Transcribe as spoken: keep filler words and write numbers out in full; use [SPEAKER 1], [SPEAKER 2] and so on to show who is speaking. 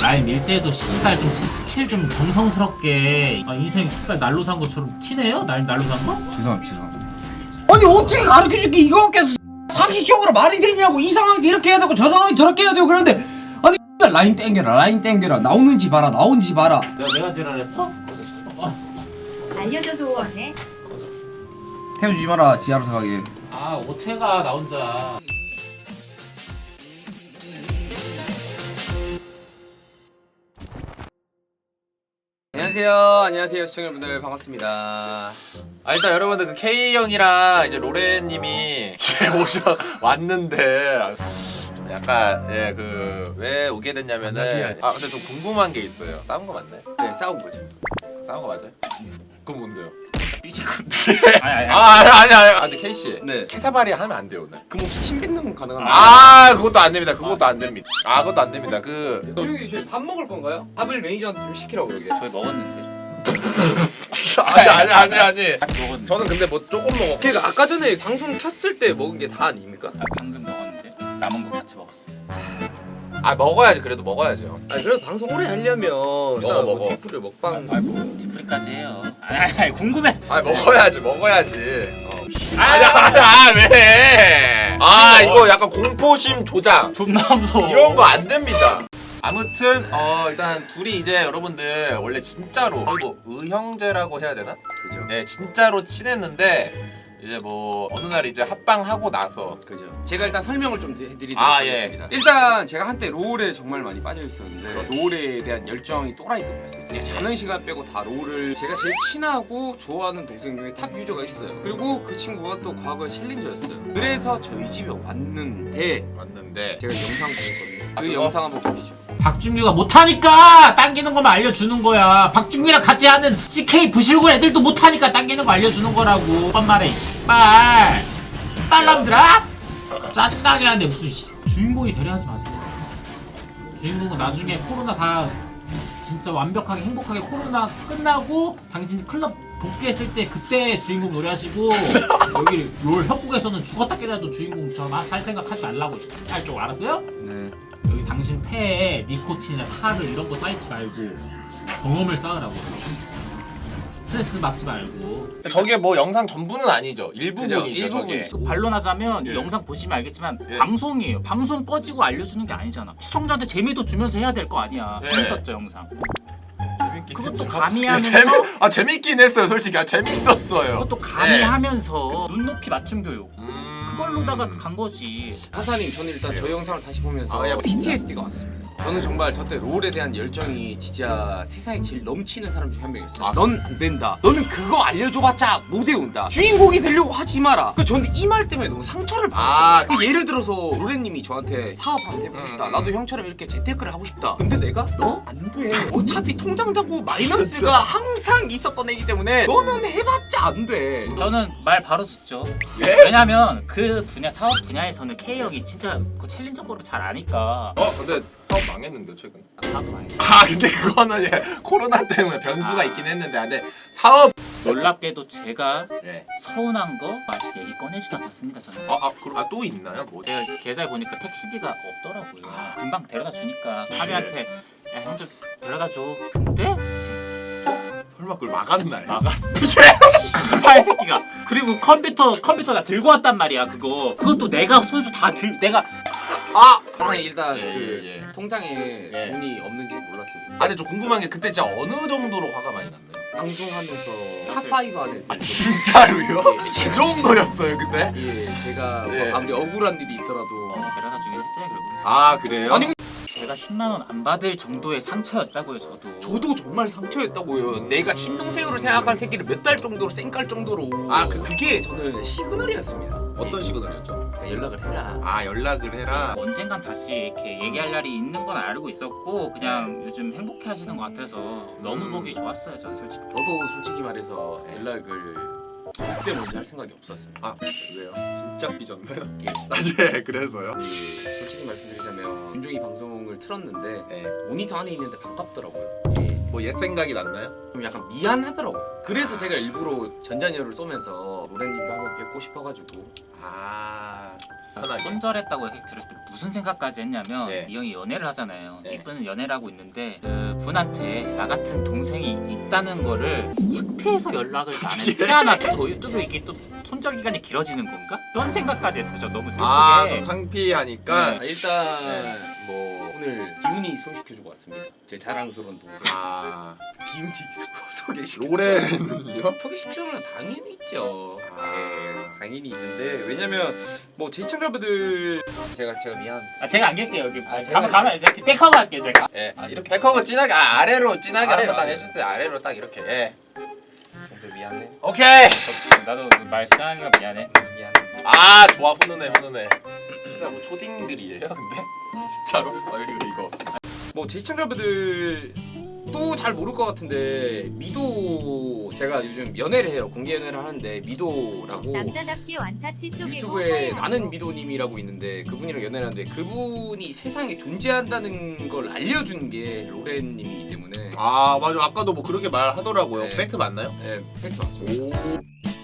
[SPEAKER 1] 라인 밀 때도 씨발 좀 스킬 좀 정성스럽게. 아 인생 씨발 날로 산 것처럼 티네요? 날 날로 산 거?
[SPEAKER 2] 죄송합니다 죄송합니다.
[SPEAKER 3] 아니 어떻게 가르쳐줄게 이거밖에 없어. 상식적으로 말이 되냐고. 이 상황에서 이렇게 해야 되고 저 상황에서 저렇게 해야 되고. 그런데 아니 라인 땡겨라 라인 땡겨라. 나오는지 봐라 나오는지 봐라.
[SPEAKER 1] 내가 내가 지랄했어? 어.
[SPEAKER 4] 알려줘도 원해.
[SPEAKER 2] 태워주지 마라 지 알아서 가게.
[SPEAKER 1] 아 오태가 나 혼자.
[SPEAKER 5] 안녕하세요. 안녕하세요 시청자분들 반갑습니다.
[SPEAKER 6] 아 일단 여러분들 그 K 형이랑 이제 로렌님이 오셔 왔는데 좀 약간 예 그 왜 오게 됐냐면은 아 근데 좀 궁금한 게 있어요. 싸운 거 맞나요?
[SPEAKER 5] 네 싸운 거죠.
[SPEAKER 6] 싸운 거 맞아요? 그건 뭔데요?
[SPEAKER 5] 삐지군.
[SPEAKER 1] 아니 아니.
[SPEAKER 6] 아 아니 아니 아니. 아 근데 K 씨.
[SPEAKER 5] 네.
[SPEAKER 6] 캐사바리 하면 안 돼요 오늘.
[SPEAKER 5] 그럼 혹시 침 뱉는 건 가능한가요?
[SPEAKER 6] 아 그것도 안 됩니다. 그것도 안 됩니다. 아 그것도 안 됩니다. 그
[SPEAKER 5] 여기 저희 밥 먹을 건가요? 밥을 매니저한테 좀 시키라고 그러게.
[SPEAKER 1] 저희 먹었는데.
[SPEAKER 6] 아니 아니 아니 아니.
[SPEAKER 1] 같이 먹었는데.
[SPEAKER 6] 저는 근데 뭐 조금 먹었고.
[SPEAKER 5] 그러니까 아까 전에 방송 켰을 때 먹은 게 다 아닙니까?
[SPEAKER 1] 아, 방금 먹었는데 남은 거 같이 먹었어.
[SPEAKER 6] 아 먹어야지 그래도 먹어야죠.
[SPEAKER 5] 아니 그래도 방송 오래 하려면
[SPEAKER 6] 먹어, 먹어.
[SPEAKER 5] 디프를 먹방.
[SPEAKER 1] 아이고 디프리까지 해요. 아니 아니, 아니 궁금해.
[SPEAKER 6] 아 먹어야지 먹어야지. 어.
[SPEAKER 1] 아,
[SPEAKER 6] 아니야 아니야 왜? 아 이거 약간 공포심 조장
[SPEAKER 1] 존나 무서워.
[SPEAKER 6] 이런 거 안 됩니다. 아무튼 어 일단 둘이 이제 여러분들 원래 진짜로 거의 뭐 의형제라고 해야 되나?
[SPEAKER 5] 그죠.
[SPEAKER 6] 네 진짜로 친했는데 이제 뭐 어느 날 이제 합방하고 나서
[SPEAKER 5] 그죠. 제가 일단 설명을 좀 해드리도록
[SPEAKER 6] 아, 예.
[SPEAKER 5] 하겠습니다. 일단 제가 한때 롤에 정말 많이 빠져 있었는데 롤에 대한 열정이 또라이급이었어요. 그냥 자는 시간 빼고 다 롤을 제가 제일 친하고 좋아하는 동생 중에 탑 유저가 있어요. 그리고 그 친구가 또 과거에 챌린저였어요. 그래서 저희 집에 왔는데
[SPEAKER 6] 왔는데
[SPEAKER 5] 제가 영상 보냈거든요.
[SPEAKER 6] 아,
[SPEAKER 5] 그
[SPEAKER 6] 그거?
[SPEAKER 5] 영상 한번 보시죠.
[SPEAKER 1] 박준규가 못하니까 당기는 것만 알려주는 거야. 박준규랑 같이 하는 씨케이 부실군 애들도 못하니까 당기는 거 알려주는 거라고. 뻔 말해. 빨. 빨람들아? 짜증나게 하는데 무슨 씨. 주인공이 되려 하지 마세요. 주인공은 나중에 코로나 다 진짜 완벽하게 행복하게 코로나 끝나고 당신 클럽 복귀했을 때 그때 주인공 노래하시고 여기 롤 협곡에서는 죽었다 깨라도 주인공 저살 생각하지 말라고 할 줄 알았어요?
[SPEAKER 5] 네.
[SPEAKER 1] 여기 당신 폐에 니코틴이나 타르 이런 거 쌓이지 말고 경험을 쌓으라고. 스트레스 받지 말고.
[SPEAKER 6] 저게 뭐 영상 전부는 아니죠. 일부분이죠.
[SPEAKER 5] 그죠, 일부분이죠.
[SPEAKER 6] 저게.
[SPEAKER 1] 반론하자면
[SPEAKER 6] 예.
[SPEAKER 1] 이 영상 보시면 알겠지만
[SPEAKER 6] 예.
[SPEAKER 1] 방송이에요. 방송 꺼지고 알려주는 게 아니잖아. 시청자한테 재미도 주면서 해야 될 거 아니야.
[SPEAKER 6] 예.
[SPEAKER 1] 재밌었죠 영상.
[SPEAKER 6] 재밌긴
[SPEAKER 1] 그것도
[SPEAKER 6] 했죠.
[SPEAKER 1] 가미하면서
[SPEAKER 6] 재미 아 재밌긴 했어요 솔직히. 아 재밌었어요.
[SPEAKER 1] 그것도 가미하면서 눈높이 맞춤 교육.
[SPEAKER 6] 음...
[SPEAKER 1] 그걸로다가 간 거지.
[SPEAKER 5] 하사님 저는 일단 저 영상을 다시 보면서
[SPEAKER 6] 아, 예.
[SPEAKER 5] 피티에스디가 왔습니다. 저는 정말 저때 롤에 대한 열정이 진짜 세상에 제일 넘치는 사람 중에 한 명이었어요.
[SPEAKER 6] 아.
[SPEAKER 5] 넌 안 된다. 너는 그거 알려줘봤자 못 외운다. 주인공이 되려고 하지 마라. 그 저한테 이 말 때문에 너무 상처를
[SPEAKER 6] 아.
[SPEAKER 5] 받았어요. 그 예를 들어서 로렌님이 저한테 사업 한번 해보고 싶다.
[SPEAKER 6] 음.
[SPEAKER 5] 나도 형처럼 이렇게 재테크를 하고 싶다. 근데 내가 너 안 돼. 어차피 통장 잔고 마이너스가 항상 있었던 애기 때문에 너는 해봤자 안 돼.
[SPEAKER 1] 저는 말 바로 듣죠.
[SPEAKER 6] 예?
[SPEAKER 1] 왜냐면 그 분야 사업 분야에서는 K 형이 진짜 그 챌린저 거를 잘 아니까.
[SPEAKER 6] 어 근데 사업 망했는데 최근.
[SPEAKER 1] 사업도 많이 했어.
[SPEAKER 6] 아 근데 그거는 예 코로나 때문에 변수가 있긴 했는데 아, 근데 사업
[SPEAKER 1] 놀랍게도 제가
[SPEAKER 6] 예.
[SPEAKER 1] 서운한 거 아직 얘기 꺼내지도 않았습니다. 저는.
[SPEAKER 6] 아아 그럼 아 또 있나요 뭐?
[SPEAKER 1] 제가 계좌에 보니까 택시비가 없더라고요.
[SPEAKER 6] 아.
[SPEAKER 1] 금방 데려다 주니까 하루한테 야 형 좀 데려다 줘. 근데
[SPEAKER 6] 설마 그걸 막았나요?
[SPEAKER 1] 막았어. 씨발 새끼가. 그리고 컴퓨터 컴퓨터 나 들고 왔단 말이야. 그거 그것도 내가 손수 다 들 내가
[SPEAKER 6] 아!
[SPEAKER 5] 하사님 일단
[SPEAKER 6] 예,
[SPEAKER 5] 그
[SPEAKER 6] 예, 예.
[SPEAKER 5] 통장에
[SPEAKER 6] 예.
[SPEAKER 5] 돈이 없는지 몰랐습니다.
[SPEAKER 6] 아 근데 좀 궁금한 게 그때 진짜 어느 정도로 화가 많이 났나요?
[SPEAKER 5] 방송하면서 탑파이브 안에
[SPEAKER 6] 아 진짜로요? 그 정도였어요 그때?
[SPEAKER 5] 예, 제가
[SPEAKER 6] 예.
[SPEAKER 5] 뭐 아무리 억울한 일이 있더라도
[SPEAKER 1] 데려다 주긴 했어요. 결국
[SPEAKER 6] 아 그래요?
[SPEAKER 5] 아니
[SPEAKER 1] 제가 십만 원 안 받을 정도의 상처였다고요. 저도.
[SPEAKER 5] 저도 정말 상처였다고요. 내가 친동생으로 생각한 새끼를 몇 달 정도로 쌩깔 정도로
[SPEAKER 6] 아, 그-
[SPEAKER 5] 그게 저는 시그널이었습니다.
[SPEAKER 6] 어떤 시그널이었죠?
[SPEAKER 5] 그러니까 연락을 해라.
[SPEAKER 6] 아 연락을 해라.
[SPEAKER 1] 언젠간 다시 이렇게 얘기할 날이 있는 건 알고 있었고 그냥 요즘 행복해 하시는 것 같아서 너무 보기 좋았어요. 저는 솔직히.
[SPEAKER 5] 저도 솔직히 말해서 연락을 그때 먼저 할 생각이 없었습니다.
[SPEAKER 6] 아 왜요? 진짜 삐졌나요?
[SPEAKER 5] 예.
[SPEAKER 6] 아 예 그래서요?
[SPEAKER 5] 예, 솔직히 말씀드리자면 윤종이 방송을 틀었는데
[SPEAKER 6] 예.
[SPEAKER 5] 모니터 안에 있는데 반갑더라고요. 예.
[SPEAKER 6] 뭐 옛 생각이 났나요?
[SPEAKER 5] 좀 약간 미안하더라고요. 그래서 제가 일부러 전자녀를 쏘면서 로렌님도 한번 뵙고 싶어가지고
[SPEAKER 6] 아 편하게.
[SPEAKER 1] 손절했다고 들었을 때 무슨 생각까지 했냐면
[SPEAKER 6] 네.
[SPEAKER 1] 이 형이 연애를 하잖아요.
[SPEAKER 6] 네.
[SPEAKER 1] 이분은 연애를 하고 있는데 그 분한테 나 같은 동생이 있다는 거를 창피해서 연락을 안 했잖아. 또, 또 이게 또 손절 기간이 길어지는 건가? 이런 생각까지 했어요. 저 너무 슬프게.
[SPEAKER 6] 아, 좀 창피하니까.
[SPEAKER 5] 아, 일단 뭐 오늘 기훈이 소개시켜주고 왔습니다. 제 자랑스러운 동생.
[SPEAKER 6] 아,
[SPEAKER 5] 기훈이 소개시켜.
[SPEAKER 6] 로렌은요?
[SPEAKER 5] 소개시켜주면 당연히 있죠.
[SPEAKER 6] 아.
[SPEAKER 5] 네, 당연히 있는데 왜냐면 뭐 제 시청자분들 제가 제가 미안.
[SPEAKER 1] 아 제가 안 갤게요 여기.
[SPEAKER 5] 아, 제가-
[SPEAKER 1] 가만 가만 제가 백허그 할게요 제가.
[SPEAKER 6] 예, 아, 이렇게 백허그 진하게 아, 아래로 진하게
[SPEAKER 5] 아래로,
[SPEAKER 6] 한번 딱
[SPEAKER 5] 아래로.
[SPEAKER 6] 해주세요. 아래로 딱 이렇게. 예.
[SPEAKER 5] 동생 미안해.
[SPEAKER 6] 오케이.
[SPEAKER 1] 나도 말 시작하기가 미안해.
[SPEAKER 5] 미안해.
[SPEAKER 6] 아, 좋아 훈훈해 훈훈해. 진짜 뭐 초딩들이에요, 근데 진짜로? 아 이거 이거.
[SPEAKER 5] 뭐 제 시청자분들 또 잘 모를 것 같은데 미도 제가 요즘 연애를 해요. 공개 연애를 하는데 미도라고
[SPEAKER 4] 남자답게 완타치 쪼개고
[SPEAKER 5] 유튜브에
[SPEAKER 4] 하얘
[SPEAKER 5] 나는
[SPEAKER 4] 먹고.
[SPEAKER 5] 미도님이라고 있는데 그분이랑 연애를 하는데 그분이 세상에 존재한다는 걸 알려준 게 로렌님이기 때문에
[SPEAKER 6] 아 맞아 아까도 뭐 그렇게 말하더라고요.
[SPEAKER 5] 네.
[SPEAKER 6] 팩트 맞나요?
[SPEAKER 5] 네, 팩트 맞습니다.
[SPEAKER 6] 오.